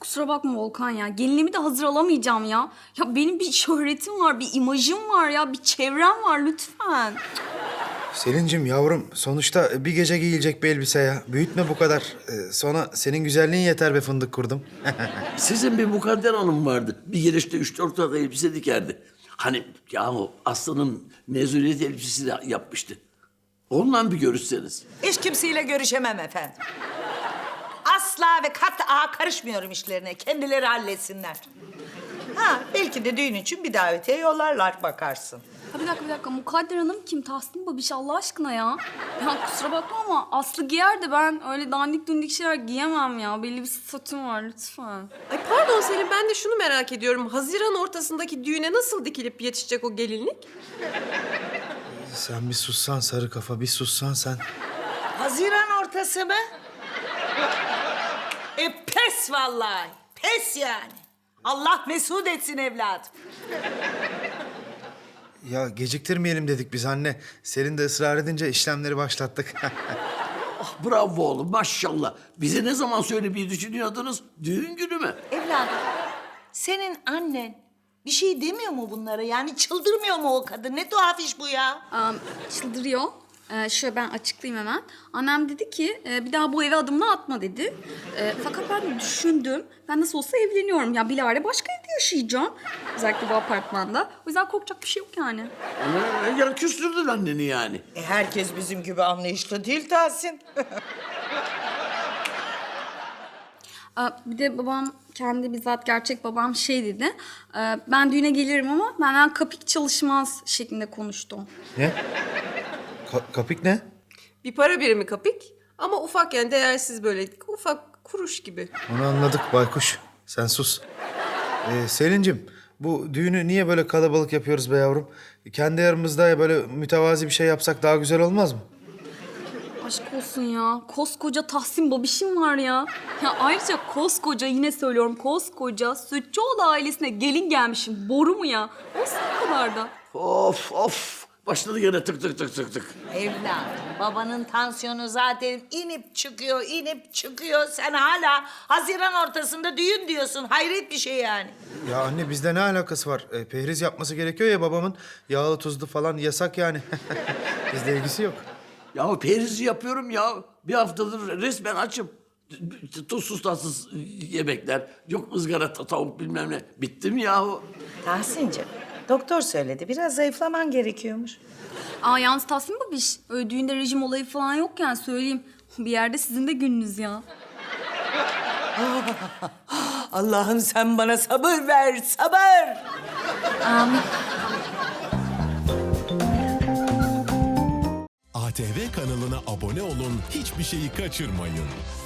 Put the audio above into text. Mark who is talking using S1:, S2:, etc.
S1: kusura bakma Volkan ya. Gelinliğimi de hazır alamayacağım ya. Ya benim bir şöhretim var, bir imajım var ya, bir çevrem var lütfen.
S2: Selin'cim yavrum sonuçta bir gece giyilecek bir elbise ya. Büyütme bu kadar. Sonra senin güzelliğin yeter be fındık kurdum.
S3: Sizin bir mukadder hanım vardı. Bir gelişte 3-4 tane elbise dikerdi. Hani yahu Aslı'nın mezuniyet elbisesi de yapmıştı. Onunla bir görüşseniz.
S4: Hiç kimseyle görüşemem efendim. Asla ve kat'a karışmıyorum işlerine. Kendileri halletsinler. Ha, belki de düğün için bir davetiye yollarlar bakarsın.
S1: Ha bir dakika. Mukadder Hanım kim? Tahsin Babiş Allah aşkına ya. Ya kusura bakma ama Aslı giyer de ben öyle dandik dundik şeyler giyemem ya. Belli bir statüm var lütfen.
S5: Ay pardon Selin, ben de şunu merak ediyorum. Haziran ortasındaki düğüne nasıl dikilip yetişecek o gelinlik?
S2: Sen bir sussan sarı kafa, bir sussan sen.
S4: Haziran ortası mı? Pes vallahi. Pes yani. Allah mesut etsin evladım.
S2: Ya geciktirmeyelim dedik biz anne. Selin de ısrar edince işlemleri başlattık.
S3: Ah bravo oğlum maşallah. Bize ne zaman söylemeyi düşünüyordunuz? Düğün günü mü?
S4: Evladım, senin annen bir şey demiyor mu bunlara? Yani çıldırmıyor mu o kadın? Ne tuhaf iş bu ya.
S1: Çıldırıyor. Şöyle ben açıklayayım hemen. Annem dedi ki bir daha bu eve adımını atma dedi. Fakat ben de düşündüm. Ben nasıl olsa evleniyorum. Ya bilahare başka evde yaşayacağım. Özellikle bu apartmanda. O yüzden korkacak bir şey yok yani.
S3: Ya küstürdün anneni yani.
S4: Herkes bizim gibi anlayışlı değil Tahsin.
S1: Bir de babam kendi bizzat gerçek babam şey dedi. Ben düğüne gelirim ama benden kapik çalışmaz şeklinde konuştu.
S2: Ne? Kapik ne?
S5: Bir para birimi kapik ama ufak, yani değersiz, böyle ufak kuruş gibi.
S2: Onu anladık baykuş. Sen sus. Selin'cim bu düğünü niye böyle kalabalık yapıyoruz be yavrum? Kendi aramızda böyle mütevazi bir şey yapsak daha güzel olmaz mı?
S1: Aşk olsun ya. Koskoca Tahsin Babiş'im var ya. Ya ayrıca koskoca, yine söylüyorum, koskoca Sütçüoğlu ailesine gelin gelmişim. Boru mu ya? Olsun o kadar da.
S3: Of. Başladı gene tık tık tık tık tık.
S4: Evladım, babanın tansiyonu zaten inip çıkıyor. Sen hala Haziran ortasında düğün diyorsun. Hayret bir şey yani.
S2: Ya anne bizde ne alakası var? Pehriz yapması gerekiyor ya babamın. Yağlı tuzlu falan yasak yani. Bizde ilgisi yok.
S3: Ya perizi yapıyorum ya. Bir haftadır resmen açım. Tuzsuz tatsız yemekler. Yok ızgara tavuk bilmem ne. Bittim yahu.
S4: Tahsin'cim, doktor söyledi. Biraz zayıflaman gerekiyormuş.
S1: Yalnız Tahsin Babiş, öyle düğünde rejim olayı falan yok yani söyleyeyim. Bir yerde sizin de gününüz ya.
S4: Allah'ım sen bana sabır ver, sabır.
S1: Amin.
S6: ATV kanalına abone olun, hiçbir şeyi kaçırmayın.